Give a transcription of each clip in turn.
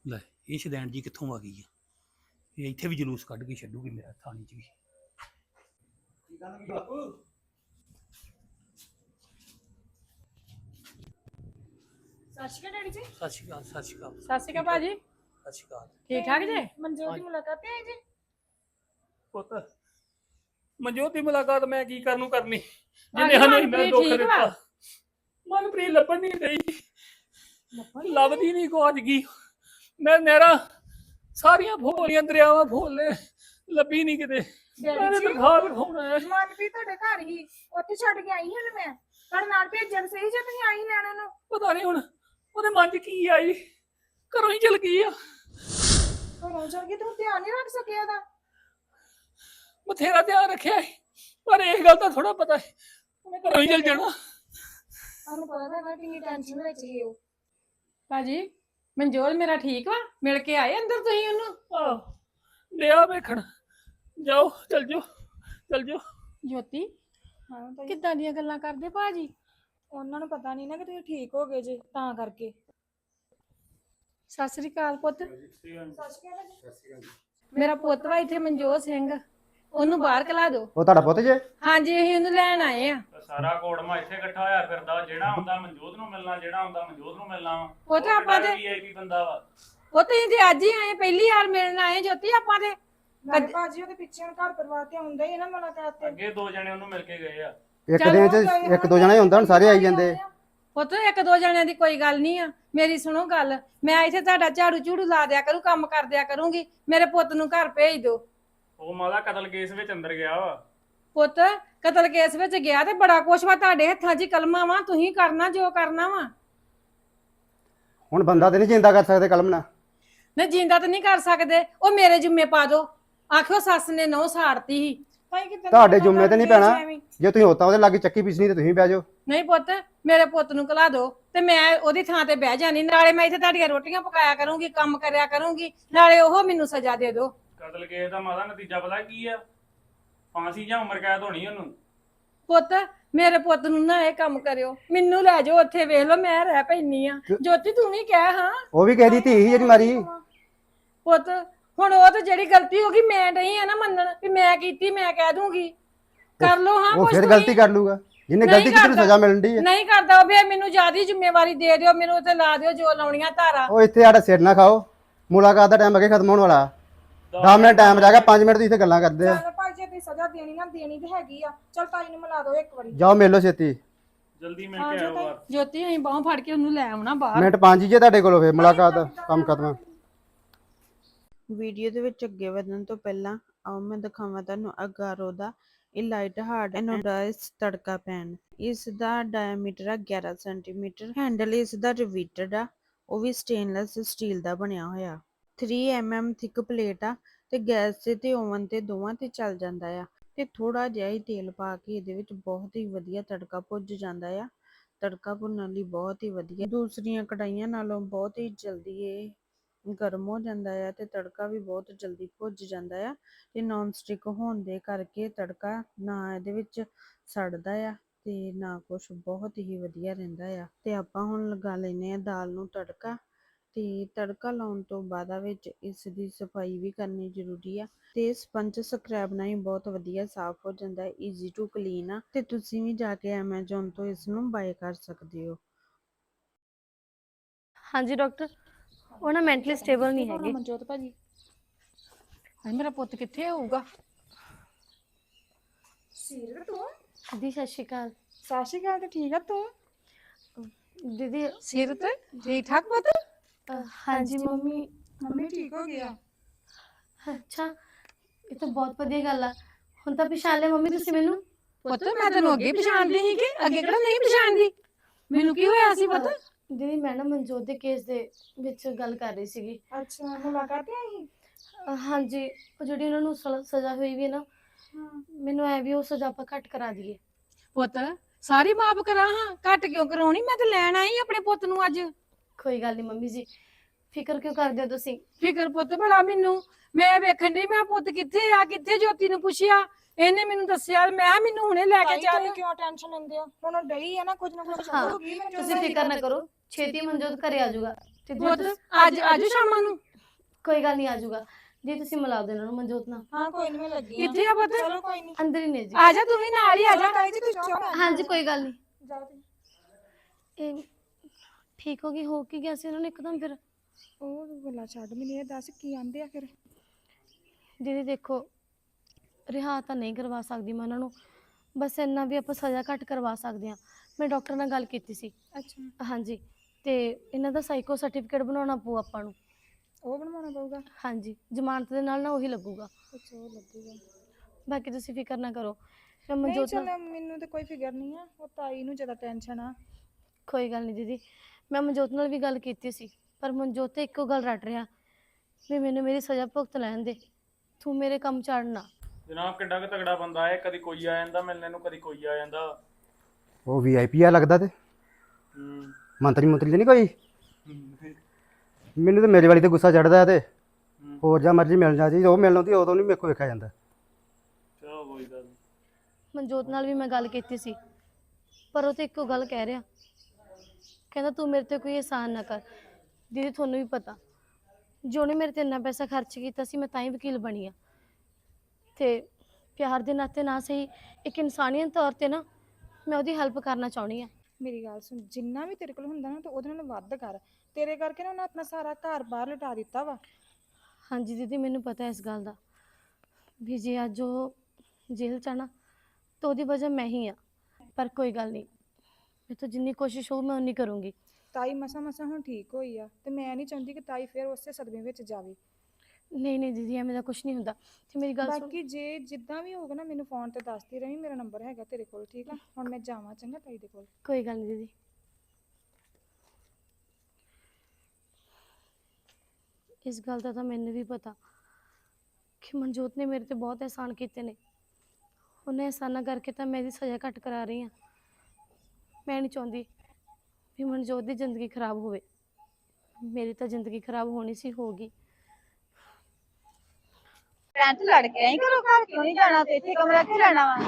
ਲੈ ਇਹ ਸ਼ਦੈਣ ਜੀ ਕਿੱਥੋਂ ਆ ਗਈ ਆ? ਇਹ ਇੱਥੇ ਵੀ ਜਲੂਸ ਕੱਢ ਕੇ ਛੱਡੂਗੀ ਮੇਰਾ ਥਾਣੇ 'ਚ ਵੀ। ਸਤਿ ਸ਼੍ਰੀ ਅਕਾਲ ਡੈਡੀ ਜੀ। ਸਤਿ ਸ਼੍ਰੀ ਅਕਾਲ, ਸਤਿ ਸ਼੍ਰੀ ਅਕਾਲ। ਸਤਿ ਸ਼੍ਰੀ ਅਕਾਲ ਭਾਜੀ। ਸਤਿ ਸ਼੍ਰੀ ਅਕਾਲ। ਠੀਕ ਠਾਕ ਜੇ? ਮਨਜੋਤ ਦੀ ਮੁਲਾਕਾਤ ਤੇ ਆਏ ਜੀ? ਪੁੱਤ ਮਨਜੋਤ ਦੀ ਮੁਲਾਕਾਤ ਮੈਂ ਕੀ ਕਰਨੀ ਹਾਂਜੀ, ਜਿਹਨੇ ਸਾਨੂੰ ਇੰਨਾ ਮਨਪ੍ਰੀਤ ਦੁੱਖ ਠੀਕ ਵਾ? ਦਿੱਤਾ। ਮਨਪ੍ਰੀਤ ਲੱਭਣ ਨਹੀਂ ਰਹੀ, ਲੱਭਦੀ ਨਹੀਂ ਕੁਝ ਗਈ। ਮੈਂ ਨਹਿਰਾਂ ਸਾਰੀਆਂ ਫੋਲੀਆਂ ਦਰਿਆਵਾਂ ਫੋਲੇ, ਲੱਭੀ ਨਹੀਂ ਕਿਤੇ। ਮੈਂ ਜੀ, ਤਨਖਾਹ ਲਿਖਾਉਣਾ ਹੈ। ਮਨਪ੍ਰੀਤ ਤੁਹਾਡੇ ਘਰ ਹੀ ਉੱਥੇ ਛੱਡ ਕੇ ਆਈ ਹਾਂ ਮੈਂ। ਤੁਹਾਡੇ ਨਾਲ ਭੇਜਣ ਸਹੀ ਜੇ ਤੁਸੀਂ ਆਈ ਲੈਣ ਨੂੰ। ਪਤਾ ਨਹੀਂ ਹੁਣ ਉਹਦੇ ਮਨ 'ਚ ਕੀ ਆਈ, ਘਰੋਂ ਹੀ ਚਲ ਗਈ ਆ। ਘਰੋਂ ਚਲ ਗਈ, ਤੂੰ ਧਿਆਨ ਨਹੀਂ ਰੱਖ ਸਕਿਆ ਇਹਦਾ? ਬਥੇਰਾ ਧਿਆਨ ਰੱਖਿਆ ਸੀ, ਪਰ ਇਹ ਗੱਲ ਤਾਂ ਥੋੜਾ ਪਤਾ ਹੈ ਉਹਨੇ ਘਰੋਂ ਹੀ ਚਲ ਜਾਣਾ। ਤੁਹਾਨੂੰ ਪਤਾ ਤਾਂ ਹੈਗਾ ਕਿੰਨੀ ਟੈਨਸ਼ਨ ਵਿੱਚ ਹੀ ਉਹ। ਭਾਜੀ ਮਨਜੋਤ ਮੇਰਾ ਠੀਕ ਵਾ? ਮਿਲ ਕੇ ਆਏ ਅੰਦਰ ਤੁਸੀਂ ਉਹਨੂੰ? ਆਹ ਲਿਆ ਵੇਖਣ, ਜਾਓ ਚਲ ਜਾਓ ਚਲ ਜਾਓ। ਜੋਤੀ ਹਾਂ ਤਾਂ ਕਿੱਦਾਂ ਦੀਆਂ ਗੱਲਾਂ ਕਰਦੇ ਭਾਜੀ? ਉਹਨਾਂ ਨੂੰ ਪਤਾ ਨਹੀਂ ਨਾ ਕਿ ਤੁਸੀਂ ਠੀਕ ਹੋ ਗਏ ਜੇ, ਤਾਂ ਕਰਕੇ। ਸਤਿ ਸ੍ਰੀ ਅਕਾਲ ਪੁੱਤ। ਸਤਿ ਸ਼੍ਰੀ ਅਕਾਲ ਜੀ। ਮੇਰਾ ਪੁੱਤ ਵਾ ਇੱਥੇ ਮਨਜੋਤ ਸਿੰਘ, ਉਹਨੂੰ ਬਾਹਰ ਕਲਾ ਦਿਓ। ਉਹ ਤੁਹਾਡਾ ਪੁੱਤ ਜੇ? ਹਾਂਜੀ ਅਸੀਂ ਉਹਨੂੰ ਲੈਣ ਆਏ ਆ। ਸਾਰਾ ਕੋੜਮਾ ਇੱਥੇ ਇਕੱਠਾ ਹੋਇਆ ਫਿਰਦਾ, ਜਿਹੜਾ ਹੁੰਦਾ ਮਨਜੋਤ ਨੂੰ ਮਿਲਣਾ, ਜਿਹੜਾ ਹੁੰਦਾ ਮਨਜੋਤ ਨੂੰ ਮਿਲਣਾ ਵਾ। ਉਹ ਤਾਂ ਆਪਾਂ ਤੇ ਵੀਆਈਪੀ ਬੰਦਾ ਵਾ। ਉਹ ਤੁਸੀਂ ਤੇ ਅੱਜ ਹੀ ਆਏ, ਪਹਿਲੀ ਵਾਰ ਮਿਲਣ ਆਏ ਜੋਤੀ ਆਪਾਂ ਤੇ। ਨਾਲੇ ਭਾਜੀ ਉਹਦੇ ਪਿੱਛੇ ਹੁਣ ਘਰ ਪਰਿਵਾਰ ਤੇ ਹੁੰਦਾ ਹੀ ਹੈ ਨਾ ਮੁਲਾਕਾਤ ਤੇ। ਅੱਗੇ ਦੋ ਜਣੇ ਉਹਨੂੰ ਮਿਲ ਕੇ ਗਏ ਆ। ਇੱਕ ਦਿਨ ਚ ਇੱਕ ਦੋ ਜਣਾ ਹੀ ਹੁੰਦਾ, ਹੁਣ ਸਾਰੇ ਆਈ ਜਾਂਦੇ। ਪੁੱਤ ਇੱਕ ਦੋ ਜਣਿਆਂ ਦੀ ਕੋਈ ਗੱਲ ਨਹੀਂ ਆ। ਮੇਰੀ ਸੁਣੋ ਗੱਲ, ਮੈਂ ਇੱਥੇ ਤੁਹਾਡਾ ਝਾੜੂ ਝੂੜੂ ਲਾ ਦਿਆ ਕਰੂ, ਕੰਮ ਕਰ ਦਿਆ ਕਰੂੰਗੀ। ਮੇਰੇ ਪੁੱਤ ਨੂੰ ਘਰ ਭੇਜ ਦਿਓ। ਉਹ ਮਾਦਾ ਕਤਲ ਕੇਸ ਵਿੱਚ ਅੰਦਰ ਗਿਆ ਵਾ। ਪੁੱਤ ਕਤਲ ਕੇਸ ਵਿੱਚ ਗਿਆ ਤੇ ਬੜਾ ਕੁਛ ਵਾ ਤੁਹਾਡੇ ਹੱਥਾਂ 'ਚ ਕਲਮਾਂ ਵਾ, ਤੁਸੀਂ ਕਰਨਾ ਜੋ ਕਰਨਾ ਵਾ। ਹੁਣ ਬੰਦਾ ਤੇ ਨਹੀਂ ਜਿੰਦਾ ਕਰ ਸਕਦੇ ਕਲਮ ਨਾਲ। ਨਹੀਂ ਜਿੰਦਾ ਤਾਂ ਨਹੀਂ ਕਰ ਸਕਦੇ, ਉਹ ਮੇਰੇ ਜੁੰਮੇ ਪਾ ਦੋ। ਆਖਿਓ ਸੱਸ ਨੇ ਨਹੁੰ ਸਾੜਤੀ ਸੀ। ਭਾਈ ਕਿਤੇ ਤੁਹਾਡੇ ਜੁੰਮੇ ਤੇ ਨਹੀਂ ਪੈਣਾ, ਜੇ ਤੁਸੀਂ ਹੋਤਾ ਉਹਦੇ ਲਾਗੇ ਚੱਕੀ ਪਿਸਣੀ ਤੇ ਤੁਸੀਂ ਬਹਿ ਜਾਓ। ਨਹੀਂ ਪੁੱਤ ਮੇਰੇ ਪੁੱਤ ਨੂੰ ਕਲਾ ਦੋ ਤੇ ਮੈਂ ਉਹਦੀ ਥਾਂ ਤੇ ਬਹਿ ਜਾਣੀ। ਨਾਲੇ ਮੈਂ ਇੱਥੇ ਤੁਹਾਡੀਆਂ ਰੋਟੀਆਂ ਪਕਾਇਆ ਕਰੂੰਗੀ, ਕੰਮ ਕਰਿਆ ਕਰੂੰਗੀ, ਨਾਲੇ ਉਹ ਮੈਨੂੰ ਸਜ਼ਾ ਦੇ ਦਿਓ। ਕਤਲ ਕੇਸ ਦਾ ਮਾਦਾ ਨਤੀਜਾ ਪਤਾ ਕੀ ਆ? ਫਾਂਸੀ ਜਾਂ ਉਮਰ ਕੈਦ ਹੋਣੀ ਉਹਨੂੰ। ਪੁੱਤ ਮੇਰੇ ਪੁੱਤ ਨੂੰ ਨਾ ਇਹ ਕੰਮ ਕਰਿਓ, ਮੈਨੂੰ ਲੈ ਜਾਓ ਉੱਥੇ, ਵੇਖ ਲਓ ਮੈਂ ਰਹਿ ਪੈਣੀ ਆ। ਜੋਤੀ ਤੂੰ ਵੀ ਕਹਿ ਹਾਂ। ਉਹ ਵੀ ਕਿਸੇ ਦੀ ਧੀ ਸੀ ਜਿਹੜੀ ਮਾਰੀ। ਪੁੱਤ ਹੁਣ ਉਹ ਤਾਂ ਜਿਹੜੀ ਗਲਤੀ ਹੋ ਗਈ ਮੈਂ ਨਹੀਂ ਆ ਨਾ ਮੰਨਣ ਵੀ ਮੈਂ ਕੀਤੀ, ਮੈਂ ਕਹਿ ਦੂੰਗੀ। ਕਰ ਲਓ ਹਾਂ ਉਹ ਕੁਛ ਫਿਰ ਤੁਸੀਂ। ਗਲਤੀ ਕਰ ਲੂਗਾ, ਜਿਹਨੇ ਨਹੀਂ ਗਲਤੀ ਕੀਤੀ ਨੂੰ ਕਰਦਾ। ਸਜ਼ਾ ਮਿਲਣ ਦੀ ਹੈ। ਨਹੀਂ ਕਰਦਾ ਉਹ, ਫਿਰ ਮੈਨੂੰ ਜ਼ਿਆਦਾ ਜ਼ਿੰਮੇਵਾਰੀ ਦੇ ਦਿਓ, ਮੈਨੂੰ ਉੱਥੇ ਲਾ ਦਿਓ ਜੋ ਲਾਉਣੀਆਂ ਧਾਰਾ। ਉਹ ਇੱਥੇ ਸਾਡਾ ਸਿਰ ਨਾ ਖਾਓ, ਮੁਲਾਕਾਤ ਦਾ ਟਾਈਮ ਅੱਗੇ ਖਤਮ ਹੋਣ ਵਾਲਾ। 10 ਮਿੰਟ ਟਾਈਮ ਰਹਿ ਗਿਆ, 5 ਮਿੰਟ ਤੁਸੀਂ ਇੱਥੇ ਗੱਲਾਂ ਕਰਦੇ ਆ। ਚੱਲ ਭਾਈ ਜੇ ਤੁਸੀਂ ਸਜ਼ਾ ਦੇਣੀ ਨਾ ਦੇਣੀ ਤੇ ਹੈਗੀ ਆ। ਚਲ ਤਾਈ ਨੂੰ ਮਿਲਾ ਦਿਓ ਇੱਕ ਵਾਰੀ। ਜਾਓ ਮਿਲ ਲਓ ਛੇਤੀ। ਜਲਦੀ ਮਿਲ ਕੇ ਆਓ ਬਾਹਰ। ਜੋਤੀ ਅਸੀਂ ਬਾਹੋਂ ਫੜ ਕੇ ਉਹਨੂੰ ਲੈ ਆਉਣਾ ਬਾਹਰ। ਮਿੰਟ 5 ਹੀ ਜੇ ਤੁਹਾਡੇ ਕੋਲੋਂ, ਫਿਰ ਮੁਲਾਕਾਤ ਦਾ ਕੰਮ ਖਤਮ। ਵੀਡੀਓ ਦੇ ਵਿੱਚ ਅੱਗੇ ਵਧਣ ਤੋਂ ਪਹਿਲਾਂ ਆਓ ਮੈਂ ਦਿਖਾਵਾਂ ਤੁਹਾਨੂੰ ਅਗਾਰੋ ਦਾ ਇਹ ਲਾਈਟ ਹਾਰਡ ਐਨੋਡਾਈਜ਼ ਤੜਕਾ ਪੈਨ। ਇਸ ਦਾ ਡਾਇਮੀਟਰ ਆ 11 ਸੈਂਟੀਮੀਟਰ। ਹੈਂਡਲ ਇਸ ਦਾ ਰਿਵੀਟਡ ਆ, ਉਹ ਵੀ ਸਟੇਨਲੈਸ ਸਟੀਲ ਦਾ ਬਣਿਆ ਹੋਇਆ। 3 mm ਥਿਕ ਪਲੇਟ ਆ ਤੇ ਗੈਸ ਤੇ ਓਵਨ ਤੇ ਦੋਵਾਂ ਤੇ ਚੱਲ ਜਾਂਦਾ ਆ। ਤੇ ਥੋੜਾ ਜਿਹਾ ਹੀ ਤੇਲ ਪਾ ਕੇ ਇਹਦੇ ਵਿੱਚ ਬਹੁਤ ਹੀ ਵਧੀਆ ਤੜਕਾ ਭੁੱਜ ਜਾਂਦਾ ਆ। ਤੜਕਾ ਭੁੰਨਣ ਲਈ ਬਹੁਤ ਹੀ ਵਧੀਆ, ਦੂਸਰੀਆਂ ਕੜਾਈਆਂ ਨਾਲੋਂ ਬਹੁਤ ਹੀ ਜਲਦੀ ਇਹ ਗਰਮ ਹੋ ਜਾਂਦਾ ਆ ਤੇ ਤੜਕਾ ਵੀ ਬਹੁਤ ਜਲਦੀ ਭੁੱਜ ਜਾਂਦਾ ਆ। ਤੇ ਨੌਨ ਸਟਿਕ ਹੋਣ ਦੇ ਕਰਕੇ ਤੜਕਾ ਨਾ ਇਹਦੇ ਵਿੱਚ ਸੜਦਾ ਆ ਤੇ ਨਾ ਕੁਛ, ਬਹੁਤ ਹੀ ਵਧੀਆ ਰਹਿੰਦਾ ਆ। ਤੇ ਆਪਾਂ ਹੁਣ ਲਗਾ ਲੈਨੇ ਆ ਦਾਲ ਨੂੰ ਤੜਕਾ। ਤੇ ਤੜਕਾ ਲਾਉਣ ਤੋਂ ਬਾਅਦ ਵਿੱਚ ਇਸ ਦੀ ਸਫਾਈ ਵੀ ਕਰਨੀ ਜ਼ਰੂਰੀ ਆ। ਤੇ ਸਪੰਜ ਸਕ੍ਰੈਬ ਨਾਲ ਹੀ ਬਹੁਤ ਵਧੀਆ ਸਾਫ਼ ਹੋ ਜਾਂਦਾ ਹੈ, ਈਜ਼ੀ ਟੂ ਕਲੀਨ ਆ। ਤੇ ਤੁਸੀਂ ਵੀ ਜਾ ਕੇ ਐਮਾਜ਼ੋਨ ਤੋਂ ਇਸ ਨੂੰ ਬਾਏ ਕਰ ਸਕਦੇ ਹੋ। ਹਾਂਜੀ ਡਾਕਟਰ, ਉਹ ਨਾ ਮੈਂਟਲੀ ਸਟੇਬਲ ਨਹੀਂ ਹੈਗੇ। ਮਨਜੋਤ ਭਾਜੀ ਮੇਰਾ ਪੁੱਤ ਕਿੱਥੇ ਹੋਊਗਾ? ਸੀਰਤ ਤੂੰ? ਦੀਦੀ ਸਤਿ ਸ਼੍ਰੀ ਅਕਾਲ। ਸਤਿ ਸ਼੍ਰੀ ਅਕਾਲ। ਤੇ ਠੀਕ ਆ ਤੂੰ? ਦੀਦੀ ਸਿਰਤ ਠੀਕ ਠਾਕ ਪੁੱਤ? ਹਾਂਜੀ ਮੰਮੀ। ਮੰਮੀ ਠੀਕ ਹੋ ਗਿਆ? ਅੱਛਾ, ਇਹ ਤਾਂ ਬਹੁਤ ਵਧੀਆ ਗੱਲ ਆ। ਹੁਣ ਤਾਂ ਪਛਾਣ ਲਿਆ ਮੰਮੀ ਤੁਸੀਂ ਮੈਨੂੰ? ਪੁੱਤ ਮੈਂ ਤੈਨੂੰ ਅੱਗੇ ਪਛਾਣਦੀ ਸੀ ਕਿ ਅੱਗੇ ਕਿਹੜਾ ਨਹੀਂ ਪਛਾਣਦੀ? ਮੈਨੂੰ ਕੀ ਹੋਇਆ ਸੀ ਪੁੱਤ? ਦੀਦੀ ਮੈਂ ਨਾ ਮਨਜੋਤ ਦੇ ਕੇਸ ਦੇ ਵਿੱਚ ਗੱਲ ਕਰ ਰਹੀ ਸੀਗੀ। ਅੱਛਾ, ਮੁਲਾਕਾਤ ਤੇ ਆਈ? ਹਾਂਜੀ, ਉਹ ਜਿਹੜੀ ਉਹਨਾਂ ਨੂੰ ਸਜ਼ਾ ਹੋਈ ਵੀ ਹੈ ਨਾ, ਮੈਨੂੰ ਐ ਵੀ ਉਹ ਸਜ਼ਾ ਆਪਾਂ ਘੱਟ ਕਰਾ ਦਈਏ। ਪੁੱਤ ਸਾਰੀ ਮਾਫ ਕਰਾਂ ਹਾਂ, ਘੱਟ ਕਿਉਂ ਕਰਾਉਣੀ? ਮੈਂ ਤਾਂ ਲੈਣ ਆਈ ਆਪਣੇ ਪੁੱਤ ਨੂੰ ਅੱਜ। ਕੋਈ ਗੱਲ ਨਹੀਂ ਮੰਮੀ ਜੀ, ਫਿਕਰ ਕਿਉਂ ਕਰਦੇ ਹੋ ਤੁਸੀਂ? ਫਿਕਰ ਪੁੱਤ ਭਲਾ ਮੈਨੂੰ, ਮੈਂ ਵੇਖਣ ਡਈ ਮੈਂ ਪੁੱਤ ਕਿੱਥੇ ਆ, ਕਿੱਥੇ ਜੋਤੀ ਨੂੰ ਪੁੱਛਿਆ, ਇਹਨੇ ਮੈਨੂੰ ਦੱਸਿਆ। ਮੈਂ ਮੈਨੂੰ ਹੁਣੇ ਲੈ ਕੇ ਚੱਲ। ਕਿਉਂ ਟੈਨਸ਼ਨ ਲੈਂਦੇ ਹੋ? ਹੁਣ ਡਈ ਆ ਨਾ, ਕੁਝ ਨਾ ਕੁਝ ਹਾਂ, ਹੋਊਗੀ। ਤੁਸੀਂ ਫਿਕਰ ਨਾ ਕਰੋ, ਛੇਤੀ ਮਨਜੋਤ ਘਰੇ ਆ ਜਾਊਗਾ। ਤੇ ਪੁੱਤ ਅੱਜ ਸ਼ਾਮਾਂ ਨੂੰ ਕੋਈ ਗੱਲ ਨਹੀਂ, ਆ ਜਾਊਗਾ ਜੀ। ਤੁਸੀਂ ਮਿਲਾ ਦਿਓ ਇਹਨਾਂ ਨੂੰ ਮਨਜੋਤ ਨਾਲ। ਹਾਂ ਕੋਈ ਨਹੀਂ, ਮੈਂ ਲੱਗੀ ਆ। ਕਿੱਥੇ ਆ ਪੁੱਤ? ਚਲੋ ਕੋਈ ਨਹੀਂ, ਅੰਦਰ ਹੀ ਨੇ ਜੀ। ਆ ਜਾ ਤੂੰ ਵੀ ਨਾਲ ਹੀ ਆ ਜਾ। ਤਾਈ ਜੀ ਤੁਸੀਂ ਜਾਓ। ਹਾਂਜੀ ਕੋਈ ਗੱਲ ਨਹੀਂ। ਜਾਓ ਤੁਸੀਂ। ਇਹ ਠੀਕ ਹੋ ਗਈ, ਹੋ ਕੀ ਗਿਆ ਸੀ ਇਹਨਾਂ ਨੂੰ ਇੱਕਦਮ ਫਿਰ? ਉਹ ਗੱਲਾਂ ਛੱਡ, ਮੈਨੂੰ ਇਹ ਦੱਸ ਕੀ ਆਂਦੇ ਆ ਫਿਰ? ਦੀਦੀ ਦੇਖੋ, ਰਿਹਾ ਤਾਂ ਨਹੀਂ ਕਰਵਾ ਸਕਦੀ ਮੈਂ ਉਹਨਾਂ ਨੂੰ, ਬਸ ਇੰਨਾ ਵੀ ਆਪਾਂ ਸਜ਼ਾ ਘੱਟ ਕਰਵਾ ਸਕਦੇ ਹਾਂ। ਮੈਂ ਡਾਕਟਰ ਨਾਲ ਗੱਲ ਕੀਤੀ ਸੀ। ਅੱਛਾ, ਹਾਂਜੀ, ਤੇ ਇਹਨਾਂ ਦਾ ਸਾਈਕੋ ਸਰਟੀਫਿਕੇਟ ਬਣਾਉਣਾ ਪਊ ਆਪਾਂ ਨੂੰ। ਉਹ ਬਣਵਾਉਣਾ ਪਊਗਾ? ਹਾਂਜੀ, ਜ਼ਮਾਨਤ ਦੇ ਨਾਲ ਨਾ ਉਹੀ ਲੱਗੂਗਾ। ਅੱਛਾ, ਉਹ ਲੱਗੂਗਾ। ਬਾਕੀ ਤੁਸੀਂ ਫਿਕਰ ਨਾ ਕਰੋ। ਮੈਂ ਨਹੀਂ ਮਨਜੋਤ ਨਾਲ ਚਲ, ਮੈਨੂੰ ਤਾਂ ਕੋਈ ਫਿਕਰ ਨਹੀਂ ਆ, ਉਹ ਤਾਈ ਨੂੰ ਜ਼ਿਆਦਾ ਟੈਨਸ਼ਨ ਆ। ਕੋਈ ਗੱਲ ਨਹੀਂ ਦੀਦੀ, ਮੈਂ ਮਨਜੋਤ ਨਾਲ ਵੀ ਗੱਲ ਕੀਤੀ ਸੀ, ਪਰ ਮਨਜੋਤ ਤੇ ਇੱਕੋ ਗੱਲ ਰੱਟ ਰਿਹਾ ਵੀ ਮੈਨੂੰ ਮੇਰੀ ਸਜ਼ਾ ਭੁਗਤ ਲੈਣ ਦੇ, ਤੂੰ ਮੇਰੇ ਕੰਮ ਚੜਨਾ। ਜਨਾਬ ਕਿੱਡਾ ਕੁ ਤਗੜਾ ਬੰਦਾ ਹੈ, ਕਦੀ ਕੋਈ ਆ ਜਾਂਦਾ ਮਿਲਣੇ ਨੂੰ, ਕਦੀ ਕੋਈ ਆ ਜਾਂਦਾ। ਉਹ VIP ਆ ਲੱਗਦਾ ਤੇ ਮੰਤਰੀ ਤੇ ਨਹੀਂ ਕੋਈ। ਮੈਨੂੰ ਤੇ ਮੇਰੇ ਵਾਲੀ ਤੇ ਗੁੱਸਾ ਚੜਦਾ ਤੇ ਹੋਰ ਜਾਂ ਮਰਜ਼ੀ ਮਿਲ ਜਾ ਜੀ, ਉਹ ਮਿਲਣ ਦੀ ਉਦੋਂ ਨਹੀਂ ਮੇਰੇ ਕੋਲ ਵੇਖਿਆ ਜਾਂਦਾ। ਚਲੋ ਕੋਈ ਗੱਲ ਨਹੀਂ। ਮਨਜੋਤ ਨਾਲ ਵੀ ਮੈਂ ਗੱਲ ਕੀਤੀ ਸੀ, ਪਰ ਉਹ ਤੇ ਇੱਕੋ ਗੱਲ ਕਹਿ ਰਿਹਾ, ਕਹਿੰਦਾ ਤੂੰ ਮੇਰੇ ਤੇ ਕੋਈ ਅਹਿਸਾਨ ਨਾ ਕਰ। ਦੀਦੀ ਤੁਹਾਨੂੰ ਵੀ ਪਤਾ, ਜੋ ਉਹਨੇ ਮੇਰੇ ਤੇ ਇੰਨਾ ਪੈਸਾ ਖਰਚ ਕੀਤਾ ਸੀ, ਮੈਂ ਤਾਂ ਹੀ ਵਕੀਲ ਬਣੀ ਆ। ਤੇ ਪਿਆਰ ਦੇ ਨਾਤੇ ਨਾ ਸਹੀ, ਇੱਕ ਇਨਸਾਨੀਅਤ ਤੌਰ ਤੇ ਨਾ ਮੈਂ ਉਹਦੀ ਹੈਲਪ ਕਰਨਾ ਚਾਹੁੰਦੀ ਆ। ਮੇਰੀ ਗੱਲ ਸੁਣ, ਜਿੰਨਾ ਵੀ ਤੇਰੇ ਕੋਲ ਹੁੰਦਾ ਨਾ, ਤੂੰ ਉਹਦੇ ਨਾਲ ਵੱਧ ਕਰ। ਤੇਰੇ ਕਰਕੇ ਨਾ ਉਹਨੇ ਆਪਣਾ ਸਾਰਾ ਘਰ ਬਾਹਰ ਲਟਾ ਦਿੱਤਾ ਵਾ। ਹਾਂਜੀ ਦੀਦੀ, ਮੈਨੂੰ ਪਤਾ ਇਸ ਗੱਲ ਦਾ ਵੀ ਜੇ ਅੱਜ ਉਹ ਜੇਲ੍ਹ 'ਚ ਆ ਨਾ, ਤਾਂ ਉਹਦੀ ਵਜ੍ਹਾ ਮੈਂ ਹੀ ਆ। ਪਰ ਕੋਈ ਗੱਲ ਨਹੀਂ, ਮੇਰੇ ਤੋਂ ਜਿੰਨੀ ਕੋਸ਼ਿਸ਼ ਹੋਊ ਮੈਂ ਉਨੀ ਕਰੂੰਗੀ। ਤਾਈ ਮਸਾ ਮਸਾ ਹੁਣ ਠੀਕ ਹੋਈ ਆ, ਤੇ ਮੈਂ ਨਹੀਂ ਚਾਹੁੰਦੀ ਕਿ ਤਾਈ ਫਿਰ ਉਸੇ ਸਦਮੇ ਵਿੱਚ ਜਾਵੇ। ਨਹੀਂ ਨਹੀਂ ਦੀਦੀ, ਐਵੇਂ ਦਾ ਕੁਝ ਨਹੀਂ ਹੁੰਦਾ। ਤੇ ਮੇਰੀ ਗੱਲ ਸੁਣ, ਬਾਕੀ ਜੇ ਜਿੱਦਾਂ ਵੀ ਹੋਊਗਾ ਨਾ, ਮੈਨੂੰ ਫੋਨ ਤੇ ਦੱਸਦੀ ਰਹੀ, ਮੇਰਾ ਨੰਬਰ ਹੈਗਾ ਤੇਰੇ ਕੋਲ, ਠੀਕ ਆ? ਹੁਣ ਮੈਂ ਜਾਵਾਂ, ਚੰਗਾ ਤਾਈ ਦੇ ਕੋਲ। ਕੋਈ ਗੱਲ ਨਹੀਂ ਦੀਦੀ। ਇਸ ਗੱਲ ਦਾ ਤਾਂ ਮੈਨੂੰ ਵੀ ਪਤਾ ਕਿ ਮਨਜੋਤ ਨੇ ਮੇਰੇ ਤੇ ਬਹੁਤ ਅਹਿਸਾਨ ਕੀਤੇ ਨੇ। ਉਹਨੇ ਅਹਿਸਾਨਾਂ ਕਰਕੇ ਤਾਂ ਮੈਂ ਇਹਦੀ ਸਜ਼ਾ ਘੱਟ ਕਰਾ ਰਹੀ ਹਾਂ। ਮੈਂ ਨਹੀਂ ਚਾਹੁੰਦੀ ਵੀ ਮਨਜੋਤ ਦੀ ਜ਼ਿੰਦਗੀ ਖਰਾਬ ਹੋਵੇ। ਮੇਰੀ ਤਾਂ ਜ਼ਿੰਦਗੀ ਖਰਾਬ ਹੋਣੀ ਸੀ, ਹੋ ਗਈ। ਭੈਣ ਤੂੰ ਲੜ ਕੇ ਆਈ ਘਰੋਂ, ਘਰ ਕਿਉਂ ਨਹੀਂ ਜਾਣਾ? ਤੇ ਇੱਥੇ ਕਮਰਾ ਕਿਉਂ ਲੈਣਾ ਵਾ?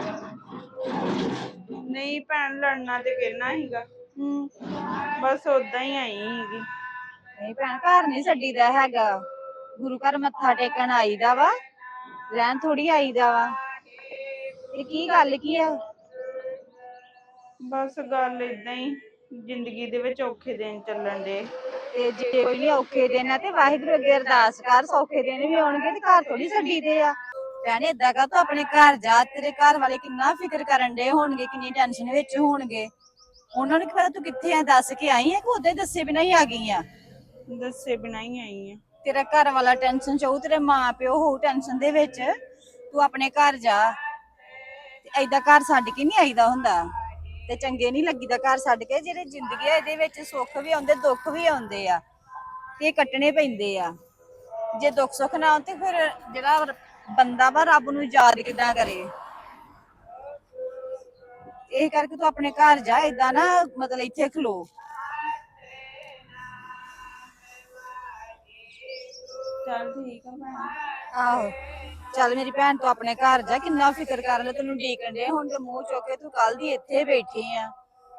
ਨਹੀਂ ਭੈਣ, ਲੜਨਾ ਤੇ ਕਿਹਨਾ ਸੀਗਾ, ਬਸ ਉਦਾਂ ਹੀ ਆਈ ਸੀਗੀ। ਨਹੀਂ ਭੈਣ, ਘਰ ਨਹੀਂ ਛੱਡੀਦਾ ਹੈਗਾ, ਗੁਰੂ ਘਰ ਮੱਥਾ ਟੇਕਣ ਆਈਦਾ ਵਾ, ਰਹਿਣ ਥੋੜੀ ਆਈਦਾ ਵਾ। ਇਹ ਕੀ ਗੱਲ ਕੀ ਆ? ਬਸ ਗੱਲ ਇਦਾਂ ਹੀ, ਜ਼ਿੰਦਗੀ ਦੇ ਵਿੱਚ ਔਖੇ ਦਿਨ ਚੱਲਣ ਦੇ। ਤੇ ਜੇ ਕੋਈ ਨਹੀਂ ਔਖੇ ਦਿਨ ਆ ਤੇ ਵਾਹਿਗੁਰੂ ਅੱਗੇ ਅਰਦਾਸ ਕਰ, ਸੌਖੇ ਦਿਨ ਵੀ ਆਉਣਗੇ, ਤੇ ਘਰ ਥੋੜੀ ਛੱਡੀਦੇ ਆ। ਭੈਣ ਏਦਾਂ ਕਰ, ਤੂੰ ਆਪਣੇ ਘਰ ਜਾ, ਤੇਰੇ ਘਰ ਵਾਲੇ ਕਿੰਨਾ ਫਿਕਰ ਕਰਨ ਦੇ ਹੋਣਗੇ, ਕਿੰਨੀ ਟੈਨਸ਼ਨ ਵਿੱਚ ਹੋਣਗੇ। ਉਹਨਾਂ ਨੂੰ ਕੀ ਪਤਾ ਤੂੰ ਕਿੱਥੇ ਆ, ਦੱਸ ਕੇ ਆਈ ਆ ਕਿ ਉਦਾਂ ਹੀ ਦੱਸੇ ਬਿਨਾਂ ਹੀ ਆ ਗਈ ਆ? ਦੱਸੇ ਬਿਨਾਂ ਹੀ ਆਈ ਆ। ਤੇਰਾ ਘਰ ਵਾਲਾ ਟੈਨਸ਼ਨ ਚ ਹੋਊ, ਤੇਰੇ ਮਾਂ ਪਿਓ ਹੋਊ ਟੈਨਸ਼ਨ ਦੇ ਵਿੱਚ, ਤੂੰ ਆਪਣੇ ਘਰ ਜਾ। ਤੇ ਏਦਾਂ ਘਰ ਛੱਡ ਕੇ ਨਹੀਂ ਆਈਦਾ ਹੁੰਦਾ, ਤੇ ਚੰਗੇ ਨਹੀਂ ਲੱਗੀਦਾ ਘਰ ਛੱਡ ਕੇ। ਜਿਹੜੇ ਜ਼ਿੰਦਗੀ ਆ ਇਹਦੇ ਵਿੱਚ ਸੁੱਖ ਵੀ ਆਉਂਦੇ, ਦੁੱਖ ਵੀ ਆਉਂਦੇ ਆ, ਤੇ ਇਹ ਕੱਟਣੇ ਪੈਂਦੇ ਆ। ਜੇ ਦੁੱਖ ਸੁੱਖ ਨਾ ਆਉਣ ਤੇ ਫਿਰ ਜਿਹੜਾ ਬੰਦਾ ਵਾ ਰੱਬ ਨੂੰ ਯਾਦ ਕਿੱਦਾਂ ਕਰੇ? ਇਹ ਕਰਕੇ ਤੂੰ ਆਪਣੇ ਘਰ ਜਾ, ਏਦਾਂ ਨਾ ਮਤਲਬ ਇੱਥੇ ਖਲੋ। ਚੱਲ ਠੀਕ ਆ ਭੈਣ। ਆਹੋ ਚੱਲ ਮੇਰੀ ਭੈਣ, ਤੂੰ ਆਪਣੇ ਘਰ ਜਾ, ਕਿੰਨਾ ਫਿਕਰ ਕਰ ਲੈ, ਤੈਨੂੰ ਡੀਕਣ ਦੇ ਹੁਣ ਤੇ ਮੂੰਹ ਚੁੱਕ ਕੇ ਤੂੰ ਕੱਲ ਦੀ ਇੱਥੇ ਬੈਠੀ ਆ,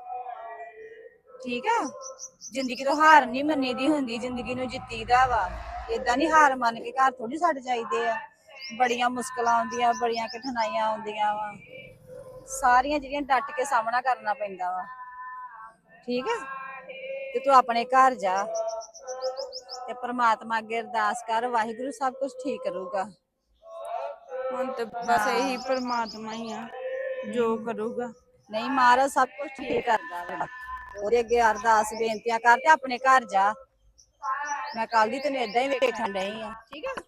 ਠੀਕ ਆ? ਜ਼ਿੰਦਗੀ ਤੋਂ ਹਾਰ ਨਹੀਂ ਮੰਨੀ ਦੀ ਹੁੰਦੀ, ਜ਼ਿੰਦਗੀ ਨੂੰ ਜਿੱਤੀਦਾ ਵਾ। ਏਦਾਂ ਨਹੀਂ ਹਾਰ ਮੰਨ ਕੇ ਘਰ ਥੋੜੀ ਛੱਡ ਜਾਈਦੇ ਆ। ਬੜੀਆਂ ਮੁਸ਼ਕਲਾਂ ਆਉਂਦੀਆਂ, ਬੜੀਆਂ ਕਠਿਨਾਈਆਂ ਆਉਂਦੀਆਂ ਵਾ, ਸਾਰੀਆਂ ਜਿਹੜੀਆਂ ਡਟ ਕੇ ਸਾਹਮਣਾ ਕਰਨਾ ਪੈਂਦਾ ਵਾ, ਠੀਕ ਆ? ਤੇ ਤੂੰ ਆਪਣੇ ਘਰ ਜਾ ਤੇ ਪ੍ਰਮਾਤਮਾ ਅੱਗੇ ਅਰਦਾਸ ਕਰ, ਵਾਹਿਗੁਰੂ ਸਭ ਕੁਝ ਠੀਕ ਕਰੂਗਾ। ਹੁਣ ਤੇ ਬਸ ਇਹੀ ਪਰਮਾਤਮਾ ਹੀ ਆ ਜੋ ਕਰੂਗਾ। ਨਹੀਂ, ਮਹਾਰਾਜ ਸਭ ਕੁਝ ਠੀਕ ਕਰਦਾ ਵਾ। ਉਹਦੇ ਅੱਗੇ ਅਰਦਾਸ ਬੇਨਤੀਆਂ ਕਰ ਤੇ ਆਪਣੇ ਘਰ ਜਾ। ਮੈਂ ਕੱਲ ਦੀ ਤੈਨੂੰ ਏਦਾਂ ਹੀ ਵੇਖਣ ਡਈ ਆ, ਠੀਕ ਆ?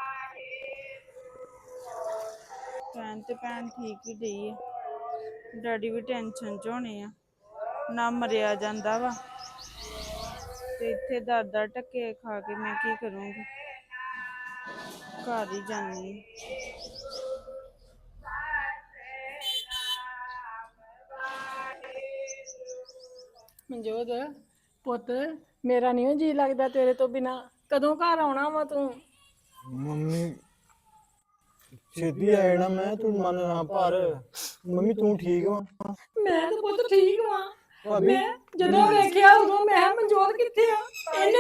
ਭੈਣ ਠੀਕ ਹੀ ਡਈ ਆ, ਡੈਡੀ ਵੀ ਟੈਨਸ਼ਨ ਚ ਹੋਣੇ ਆ, ਨਾ ਮਰਿਆ ਜਾਂਦਾ ਵਾ, ਤੇ ਇੱਥੇ ਦਰ ਟੱਕੇ ਖਾ ਕੇ ਮੈਂ ਕੀ ਕਰੂੰਗੀ? ਘਰ ਹੀ ਜਾਨੀ। ਮਨਜੋਤ ਪੁੱਤ, ਮੇਰਾ ਨਹੀਂ ਜੀ ਲੱਗਦਾ ਤੇਰੇ ਤੋਂ ਬਿਨਾ। ਕਦੋਂ ਘਰ ਆਉਣਾ ਵਾ ਤੂੰ? ਮੰਮੀ ਛੇਤੀ ਆ ਜਾਣਾ ਮੈਂ, ਤੂੰ ਮਨ ਨਾ ਭਰ। ਮੰਮੀ ਤੂੰ ਠੀਕ ਵਾ? ਮੈਂ ਤਾਂ ਪੁੱਤ ਠੀਕ ਵਾਂ। ਭਾਬੀ ਮੈਂ ਜਦੋਂ ਵੇਖਿਆ ਉਦੋਂ ਮੈਂ ਮਨਜੋਤ ਕਿੱਥੇ ਆ? ਇਹਨੇ ਮੈਨੂੰ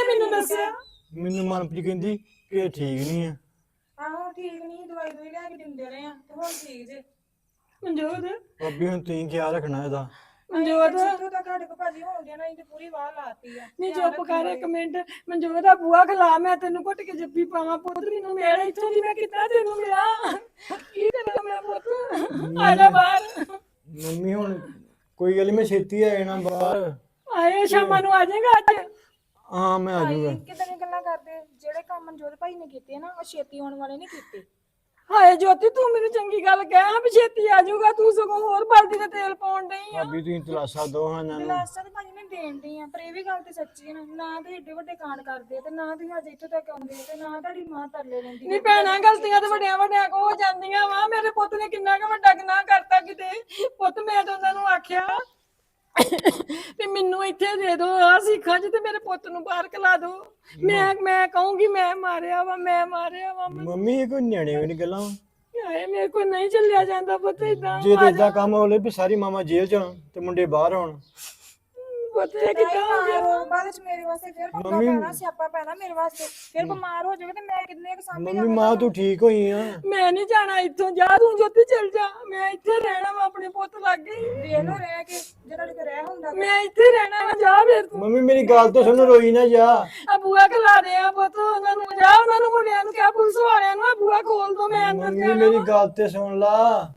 ਦੱਸਿਆ? ਮੈਨੂੰ ਮਨਪ੍ਰੀਤ ਕਹਿੰਦੀ ਕਿ ਠੀਕ ਨਹੀਂ ਆ। ਆਹੋ ਠੀਕ ਨਹੀਂ, ਦਵਾਈ ਲੈ ਕੇ ਦਿੰਦੇ ਰਹੇ ਆ ਤੇ ਹੁਣ ਠੀਕ ਜੇ। ਮਨਜੋਤ ਭਾਬੀ ਹੁਣ ਤੁਸੀਂ ਖਿਆਲ ਰੱਖਣਾ ਇਹਦਾ। ਮਨਜੋਤ ਜਿੱਥੋਂ ਤੱਕ ਸਾਡੇ ਕੋਲ ਭਾਜੀ ਹੋਣ ਡਿਆ ਨਾ ਅਸੀਂ ਤੇ ਪੂਰੀ ਵਾਹ ਲਾਤੀ ਆ। ਨਹੀਂ ਚੁੱਪ ਕਰ ਇੱਕ ਮਿੰਟ। ਮਨਜੋਤ ਦਾ ਬੂਆ ਖਲਾ, ਮੈਂ ਤੈਨੂੰ ਘੁੱਟ ਕੇ ਜੱਫੀ ਪਾਵਾਂ ਪੁੱਤ। ਮੈਨੂੰ ਮੇਰਾ ਇੱਥੋਂ ਦੀ ਮੈਂ ਕਿੱਦਾਂ ਤੈਨੂੰ ਮਿਲਾਂ? ਕੀ ਕਰਾਂ ਮੈਂ ਪੁੱਤ? ਆ ਜਾ ਬਾਹਰ। ਮੰਮੀ ਹੁਣ ਕੋਈ ਗੱਲ ਨੀ, ਮੈਂ ਛੇਤੀ ਆ ਜਾਣਾ ਬਾਹਰ। ਆਏ ਸ਼ਾਮਾਂ ਨੂੰ ਆ ਜਾਏਗਾ ਅੱਜ? ਹਾਂ ਮੈਂ ਆ ਜਾਊਗਾ। ਕਿਦਾਂ ਦੀਆਂ ਗੱਲਾਂ ਕਰਦੇ? ਜਿਹੜੇ ਕੰਮ ਮਨਜੋਤ ਭਾਈ ਨੇ ਕੀਤੇ ਨਾ ਉਹ ਛੇਤੀ ਆਉਣ ਵਾਲੇ ਨਹੀਂ ਕੀਤੇ। ਹਾਏ ਜੋਤੀ ਤੂੰ ਮੈਨੂੰ ਚੰਗੀ ਗੱਲ ਕਹਿ ਵੀ ਛੇਤੀ ਆ ਜਾਊਗਾ, ਤੂੰ ਸਗੋਂ ਹੋਰ ਬਲਦੀ ਦਾ ਤੇਲ ਪਾਉਣ ਡਈ ਆ। ਭਾਬੀ ਤੁਸੀਂ ਤਲਾਸ਼ਾ ਦੋ ਹਾਂ ਇਹਨਾਂ ਨੂੰ। ਦਿਲਾਸਾ ਤਾਂ ਭਾਜੀ ਮੈਂ ਦੇਣ ਡਈ ਆ, ਪਰ ਇਹ ਵੀ ਗੱਲ ਤੇ ਸੱਚੀ ਹੈ ਨਾ ਤੁਸੀਂ ਏਡੇ ਵੱਡੇ ਕਾਂਡ ਕਰਦੇ ਤੇ ਨਾ ਤੁਸੀਂ ਅੱਜ ਇੱਥੋਂ ਤੱਕ ਆਉਂਦੇ ਤੇ ਨਾ ਤੁਹਾਡੀ ਮਾਂ ਤਰਲੇ ਲੈਂਦੀ। ਨਹੀਂ ਭੈਣਾਂ ਗਲਤੀਆਂ ਤੇ ਵੱਡਿਆਂ ਵੱਡਿਆਂ ਕੋ ਹੋ ਜਾਂਦੀਆਂ ਵਾ। ਮੇਰੇ ਪੁੱਤ ਨੇ ਕਿੰਨਾ ਕੁ ਵੱਡਾ ਗੁਨਾਹ ਕਰਤਾ ਕਿਤੇ। ਪੁੱਤ ਮੈਂ ਤਾਂ ਉਹਨਾਂ ਨੂੰ ਆਖਿਆ ਤੇ ਮੈਨੂੰ ਇੱਥੇ ਦੇ ਦੋ ਆ ਸਿੱਖਾਂ ਚ ਤੇ ਮੇਰੇ ਪੁੱਤ ਨੂੰ ਬਾਹਰ ਕਲਾ ਦੋ। ਮੈਂ ਕਹੂੰਗੀ ਮੈਂ ਮਾਰਿਆ ਵਾ, ਮੈਂ ਮਾਰਿਆ ਵਾ। ਮੰਮੀ ਇਹ ਕੋਈ ਨਿਆਣੇ ਵਾਲੀ ਗੱਲਾਂ ਵਾ। ਹਾਏ ਮੇਰੇ ਕੋਲ ਨਹੀਂ ਚੱਲਿਆ ਜਾਂਦਾ ਪੁੱਤ ਏਦਾਂ। ਜੇ ਤੇ ਏਦਾਂ ਕੰਮ ਹੋਲੇ ਵੀ ਸਾਰੀ ਮਾਮਾ ਜੇਲ੍ਹ ਚ ਹੋਣ ਤੇ ਮੁੰਡੇ ਬਾਹਰ ਹੋਣ। ਪੁੱਤ ਇਹ ਕਿੱਦਾਂ ਹੋ ਗਿਆ? ਬਾਅਦ ਵਿੱਚ ਮੇਰੇ ਵਾਸਤੇ ਫਿਰ ਪੰਗਾ ਮੰਮੀ- ਪੈਣਾ, ਸਿਆਪਾ ਪੈਣਾ ਮੇਰੇ ਵਾਸਤੇ। ਫਿਰ ਬਿਮਾਰ ਹੋ ਜਾਓਗੇ ਤੇ ਮੈਂ ਕਿੰਨੇ ਕੁ ਸਾਂਭੀ ਮੰਮੀ ਮਾਂ ਤੂੰ ਠੀਕ ਹੋਈ ਆ? ਮੈਂ ਨਹੀਂ ਜਾਣਾ ਇੱਥੋਂ। ਜਾ ਤੂੰ ਜੋਤੀ ਚੱਲ ਜਾ, ਮੈਂ ਇੱਥੇ ਰਹਿਣਾ ਵਾ ਆਪਣੇ ਪੁੱਤ ਲਾਗੇ। ਦੇਖ ਲੋ ਰਹਿ ਕੇ ਜਿਹੜਾ ਤੁਹਾਡੇ ਕੋਲ ਰਹਿ ਹੁੰਦਾ। ਮੈਂ ਇੱਥੇ ਰਹਿਣਾ ਵਾ, ਜਾ ਫਿਰ ਤੂੰ। ਮੰਮੀ ਮੇਰੀ ਗੱਲ ਤਾਂ ਸੁਣ, ਰੋਈ ਨਾ ਜਾ। ਆ ਬੂਆ ਖਲਾ ਦੇ ਆ ਪੁੱਤ ਉਹਨਾਂ ਨੂੰ। ਜਾ ਉਹਨਾਂ ਨੂੰ ਮੁੰਡਿਆਂ ਨੂੰ ਕਿਹਾ ਪੁਲਿਸ ਵਾਲਿਆਂ ਨੂੰ ਆ ਬੂਆ ਖੋਲ ਦੋ, ਮੈਂ ਅੰਦਰ ਮੰਮੀ ਜਾਣਾ ਮੇਰੀ ਵਾ। ਗੱਲ ਤੇ ਸੁਣ ਲਾ।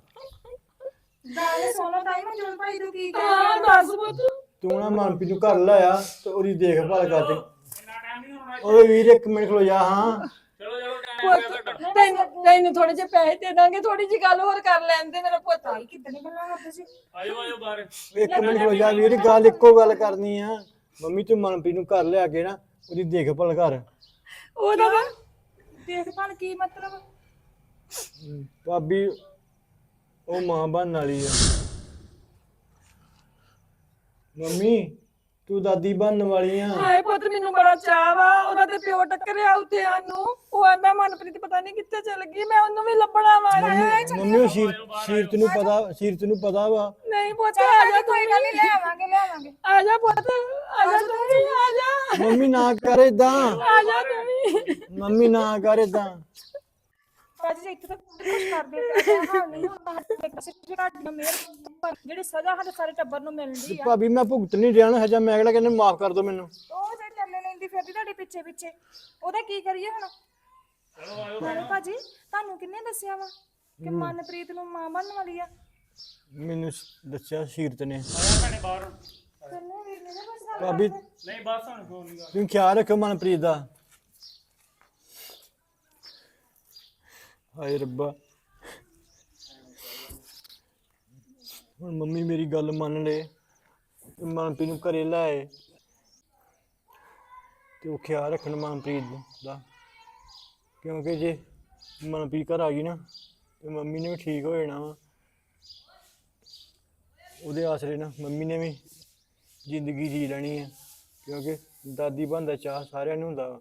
ਦਾਲੇ ਸੋਨਾ ਟਾਈਮ ਮਨਜੋਤ ਭਾਈ ਤੂੰ ਕੀ ਹਾਂ ਕਰ ਦੱਸ ਪੁੱਤ। ਤੂੰ ਨਾ ਮਨਪ੍ਰੀਤ ਨੂੰ ਘਰ ਲਾਇਆ ਤੇ ਉਹਦੀ ਦੇਖਭਾਲ ਕਰ ਦੇ। ਇੰਨਾ ਟਾਈਮ ਨਹੀਂ ਹੋਣਾ। ਓਏ ਵੀਰ ਇੱਕ ਮਿੰਟ ਖਲੋ ਜਾ। ਹਾਂ ਚਲੋ ਚਲੋ ਟਾਈਮ ਪੁੱਤ ਤੈਨੂੰ ਥੋੜੇ ਜਿਹੇ ਪੈਸੇ ਦੇ ਦਾਂਗੇ, ਥੋੜੀ ਜਿਹੀ ਗੱਲ ਹੋਰ ਕਰ ਲੈਣ ਦੇ ਮੇਰਾ ਪੁੱਤ। ਭਾਈ ਕਿੱਦਾਂ ਦੀਆਂ ਗੱਲਾਂ ਕਰਦੇ ਸੀ? ਆਜੋ ਆਜੋ ਬਾਹਰ। ਇੱਕ ਮਿੰਟ ਖਲੋ ਜਾ ਵੀਰ, ਗੱਲ ਇੱਕੋ ਗੱਲ ਕਰਨੀ ਆ। ਮੰਮੀ ਤੂੰ ਮਨਪ੍ਰੀਤ ਨੂੰ ਘਰ ਲਿਆ ਕੇ ਨਾ ਉਹਦੀ ਦੇਖਭਾਲ ਕਰ। ਉਹਦਾ ਵਾ ਦੇਖਭਾਲ ਕੀ ਮਤਲਬ? ਭਾਬੀ ਉਹ ਮਾਂ ਬਣਨ ਵਾਲੀ ਆ। ਮੰਮੀ ਤੂੰ ਦਾਦੀ ਬਣਨ ਵਾਲੀ ਆ। ਹਾਏ ਪੁੱਤ ਮੈਨੂੰ ਬੜਾ ਚਾਅ ਵਾ। ਉਹਦਾ ਤੇ ਪਿਓ ਟੱਕਰਿਆ ਉੱਥੇ ਸਾਨੂੰ। ਉਹ ਆਂਦਾ ਮਨਪ੍ਰੀਤ ਪਤਾ ਨਹੀਂ ਕਿੱਥੇ ਚਲ ਗਈ, ਮੈਂ ਉਹਨੂੰ ਵੀ ਲੱਭਣਾ ਵਾ। ਮੰਮੀ ਉਹ ਸੀਰਤ ਨੂੰ ਪਤਾ ਵਾ। ਨਹੀਂ ਪੁੱਤ ਆ ਜਾ ਤੂੰ ਕੋਈ ਗੱਲ ਨਹੀਂ, ਲਿਆਵਾਂਗੇ। ਆ ਜਾ ਪੁੱਤ, ਆ ਜਾ ਤੂੰ ਵੀ, ਆ ਜਾ। ਮੰਮੀ ਨਾ ਕਰ ਏਦਾਂ। ਆ ਜਾ ਤੂੰ ਵੀ। ਮੰਮੀ ਨਾ ਕਰ ਏਦਾਂ। ਭਾਜੀ ਇੱਥੇ ਤਾਂ ਕੁਝ ਕਰਦੇ ਤੇ ਹਾਲ ਨਹੀਂ ਹੁੰਦਾ। ਸਾਡੀਆਂ ਮਿਹਰ ਜਿਹੜੀ ਸਜ਼ਾ ਸਾਡੇ ਸਾਰੇ ਟੱਬਰ ਨੂੰ ਮਿਲਦੀ ਆ ਭਾਬੀ ਮੈਂ ਭੁਗਤ ਨਹੀਂ ਰਿਹਾ ਨਾ ਹਜਾ। ਮੈਂ ਅਗਲਾ ਕਹਿੰਦਾ ਮਾਫ ਕਰ ਦੋ ਮੈਨੂੰ। ਉਹ ਜਿਹੜੀ ਚੱਲੇ ਲੈਂਦੀ ਫਿਰਦੀ ਤੁਹਾਡੇ ਪਿੱਛੇ ਉਹਦਾ ਕੀ ਕਰੀਏ ਹੁਣ? ਨਾਲੇ ਭਾਜੀ ਤੁਹਾਨੂੰ ਕਿੰਨੇ ਦੱਸਿਆ ਵਾ ਕਿ ਮਨਪ੍ਰੀਤ ਨੂੰ ਮਾਂ ਬਣਨ ਵਾਲੀ ਆ? ਮੈਨੂੰ ਦੱਸਿਆ ਸੀਰਤ ਨੇ। ਆਇਆ ਭੈਣੇ ਬਾਹਰ। ਕਰਨੇ ਵੀਰ ਨੇ ਨਾ ਬਸ ਭਾਬੀ ਨਹੀਂ ਬਸ ਹੁਣ ਫੋਨ ਨਹੀਂ ਕਰ। ਤੁਸੀਂ ਖਿਆਲ ਰੱਖੋ ਮਨਪ੍ਰੀਤ ਦਾ। ਹਾਏ ਰੱਬਾ ਹੁਣ ਮੰਮੀ ਮੇਰੀ ਗੱਲ ਮੰਨ ਲੈ ਤੇ ਮਨਪ੍ਰੀਤ ਨੂੰ ਘਰੇ ਲਾਏ ਤੇ ਉਹ ਖਿਆਲ ਰੱਖਣ ਮਨਪ੍ਰੀਤ ਦਾ, ਕਿਉਂਕਿ ਜੇ ਮਨਪ੍ਰੀਤ ਘਰ ਆ ਗਈ ਨਾ ਤੇ ਮੰਮੀ ਨੇ ਵੀ ਠੀਕ ਹੋ ਜਾਣਾ ਵਾ। ਉਹਦੇ ਆਸਰੇ ਨਾ ਮੰਮੀ ਨੇ ਵੀ ਜ਼ਿੰਦਗੀ ਜੀ ਲੈਣੀ ਹੈ, ਕਿਉਂਕਿ ਦਾਦੀ ਬਣਨ ਦਾ ਚਾਅ ਸਾਰਿਆਂ ਨੂੰ ਹੁੰਦਾ ਵਾ।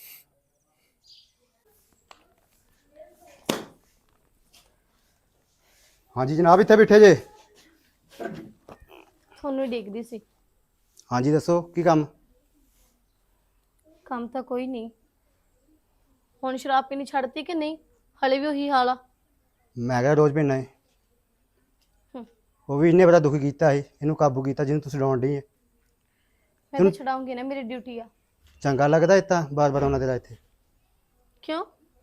ਹਾਂਜੀ ਜਨਾਬ ਇੱਥੇ ਬੈਠੇ ਜੇ? ਤੁਹਾਨੂੰ ਹੀ ਦੇਖਦੀ ਸੀ। ਹਾਂਜੀ ਦੱਸੋ ਕੀ ਕੰਮ? ਕੰਮ ਤਾਂ ਕੋਈ ਨਹੀਂ। ਹੁਣ ਸ਼ਰਾਬ ਪੀਣੀ ਛੱਡਤੀ ਕਿ ਨਹੀਂ? ਹਲੇ ਵੀ ਉਹੀ ਹਾਲ ਆ? ਮੈਂ ਕਿਹਾ ਰੋਜ਼ ਪੀਣਾ ਹੈ। ਹਮ। ਉਹ ਵੀ ਇਹਨੇ ਬੜਾ ਦੁਖੀ ਕੀਤਾ ਸੀ, ਇਹਨੂੰ ਕਾਬੂ ਕੀਤਾ ਜਿਹਨੂੰ ਤੁਸੀਂ ਡਾਉਣ ਡਈ ਹੈ। ਮੈਂ ਤਾਂ ਛਡਾਉਂਗੀ ਨਾ, ਮੇਰੀ ਡਿਊਟੀ ਆ। ਚੰਗਾ ਲੱਗਦਾ ਇੱਦਾਂ ਬਾਰ-ਬਾਰ ਆਉਣਾ ਤੇਰਾ ਇੱਥੇ? ਕਿਉਂ?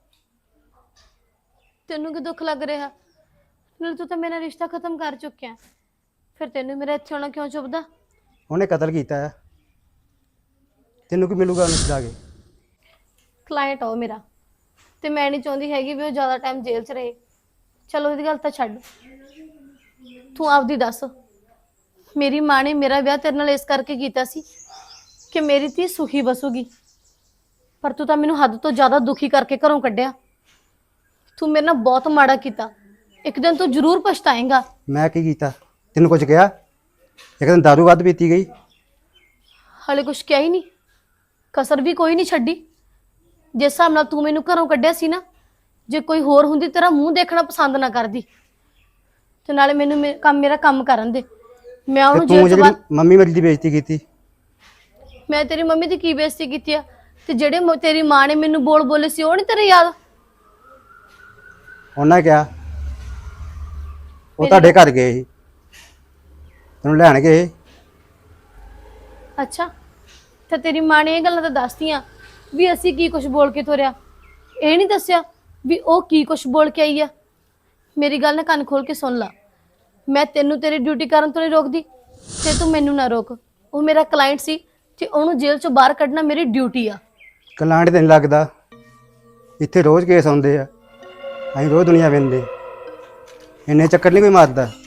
ਤੈਨੂੰ ਕੀ ਦੁੱਖ ਲੱਗ ਰਿਹਾ? ਨਾਲ ਤੂੰ ਤਾਂ ਮੇਰਾ ਰਿਸ਼ਤਾ ਖਤਮ ਕਰ ਚੁੱਕਿਆ, ਫਿਰ ਤੈਨੂੰ ਮੇਰਾ ਇੱਥੇ ਆਉਣਾ ਕਿਉਂ ਚੁੱਭਦਾ? ਉਹਨੇ ਕਤਲ ਕੀਤਾ ਹੈ, ਤੈਨੂੰ ਕੀ ਮਿਲੂਗਾ ਉਹਨੂੰ ਛਡਾ ਕੇ? ਕਲਾਇੰਟ ਆ ਉਹ ਮੇਰਾ, ਤੇ ਮੈਂ ਨਹੀਂ ਚਾਹੁੰਦੀ ਹੈਗੀ ਵੀ ਉਹ ਜ਼ਿਆਦਾ ਟਾਈਮ ਜੇਲ੍ਹ 'ਚ ਰਹੇ। ਚਲੋ ਇਹਦੀ ਗੱਲ ਤਾਂ ਛੱਡ, ਤੂੰ ਆਪਦੀ ਦੱਸ। ਮੇਰੀ ਮਾਂ ਨੇ ਮੇਰਾ ਵਿਆਹ ਤੇਰੇ ਨਾਲ ਇਸ ਕਰਕੇ ਕੀਤਾ ਸੀ ਕਿ ਮੇਰੀ ਧੀ ਸੁਖੀ ਬਸੂਗੀ, ਪਰ ਤੂੰ ਤਾਂ ਮੈਨੂੰ ਹੱਦ ਤੋਂ ਜ਼ਿਆਦਾ ਦੁਖੀ ਕਰਕੇ ਘਰੋਂ ਕੱਢਿਆ। ਤੂੰ ਮੇਰੇ ਨਾਲ ਬਹੁਤ ਮਾੜਾ ਕੀਤਾ, ਇੱਕ ਦਿਨ ਤੂੰ ਜ਼ਰੂਰ ਪਛਤਾਏਂਗਾ। ਮੈਂ ਕੀ ਕੀਤਾ? ਤੈਨੂੰ ਕੁਝ ਕਿਹਾ? ਇੱਕ ਦਿਨ ਦਾਰੂ ਵੱਧ ਪੀਤੀ ਗਈ। ਹਾਲੇ ਕੁਛ ਕਿਹਾ ਹੀ ਨਹੀਂ, ਕਸਰ ਵੀ ਕੋਈ ਨਹੀਂ ਛੱਡੀ। ਜਿਸ ਹਿਸਾਬ ਨਾਲ ਤੂੰ ਮੈਨੂੰ ਘਰੋਂ ਕੱਢਿਆ ਸੀ ਨਾ, ਜੇ ਕੋਈ ਹੋਰ ਹੁੰਦੀ ਤੇਰਾ ਮੂੰਹ ਦੇਖਣਾ ਪਸੰਦ ਨਾ ਕਰਦੀ। ਤੇ ਨਾਲੇ ਮੈਨੂੰ ਮੇਰਾ ਕੰਮ ਕਰਨ ਦੇ। ਮੈਂ ਉਹਨੂੰ ਤੂੰ ਜੇਲ੍ਹ 'ਚ ਜਿਹੜੀ ਮੰਮੀ ਮੇਰੀ ਦੀ ਬੇਇੱਜ਼ਤੀ ਕੀਤੀ। ਮੈਂ ਤੇਰੀ ਮੰਮੀ ਦੀ ਕੀ ਬੇਇੱਜ਼ਤੀ ਕੀਤੀ ਆ? ਤੇ ਜਿਹੜੇ ਤੇਰੀ ਮਾਂ ਨੇ ਮੈਨੂੰ ਬੋਲ ਬੋਲੇ ਸੀ ਉਹ ਨਹੀਂ ਤੇਰੇ ਯਾਦ? ਉਹਨਾਂ ਕਿਹਾ ਉਹ ਤੁਹਾਡੇ ਘਰ ਗਏ ਸੀ, ਤੈਨੂੰ ਲੈਣ ਗਏ। ਅੱਛਾ, ਤੇ ਤੇਰੀ ਮਾਂ ਨੇ ਇਹ ਗੱਲਾਂ ਤਾਂ ਦੱਸਤੀਆਂ ਵੀ ਅਸੀਂ ਕੀ ਕੁਝ ਬੋਲ ਕੇ ਤੋਰਿਆ, ਇਹ ਨਹੀਂ ਦੱਸਿਆ ਵੀ ਉਹ ਕੀ ਕੁਝ ਬੋਲ ਕੇ ਆਈ ਆ। ਮੇਰੀ ਗੱਲ ਨਾ ਕੰਨ ਖੋਲ ਕੇ ਸੁਣ ਲਾ, ਮੈਂ ਤੈਨੂੰ ਤੇਰੀ ਡਿਊਟੀ ਕਰਨ ਤੋਂ ਨਹੀਂ ਰੋਕਦੀ ਤੇ ਤੂੰ ਮੈਨੂੰ ਨਾ ਰੋਕ। ਉਹ ਮੇਰਾ ਕਲਾਇੰਟ ਸੀ ਤੇ ਉਹਨੂੰ ਜੇਲ੍ਹ ਚੋਂ ਬਾਹਰ ਕੱਢਣਾ ਮੇਰੀ ਡਿਊਟੀ ਆ। ਕਲਾਂਟ ਤੈਨੂੰ ਲੱਗਦਾ ਇੱਥੇ ਰੋਜ਼ ਕੇਸ ਆਉਂਦੇ ਆ, ਅਸੀਂ ਰੋਜ਼ ਦੁਨੀਆ ਵੇਂਦੇ, ਇੰਨੇ ਚੱਕਰ ਨਹੀਂ ਕੋਈ ਮਾਰਦਾ।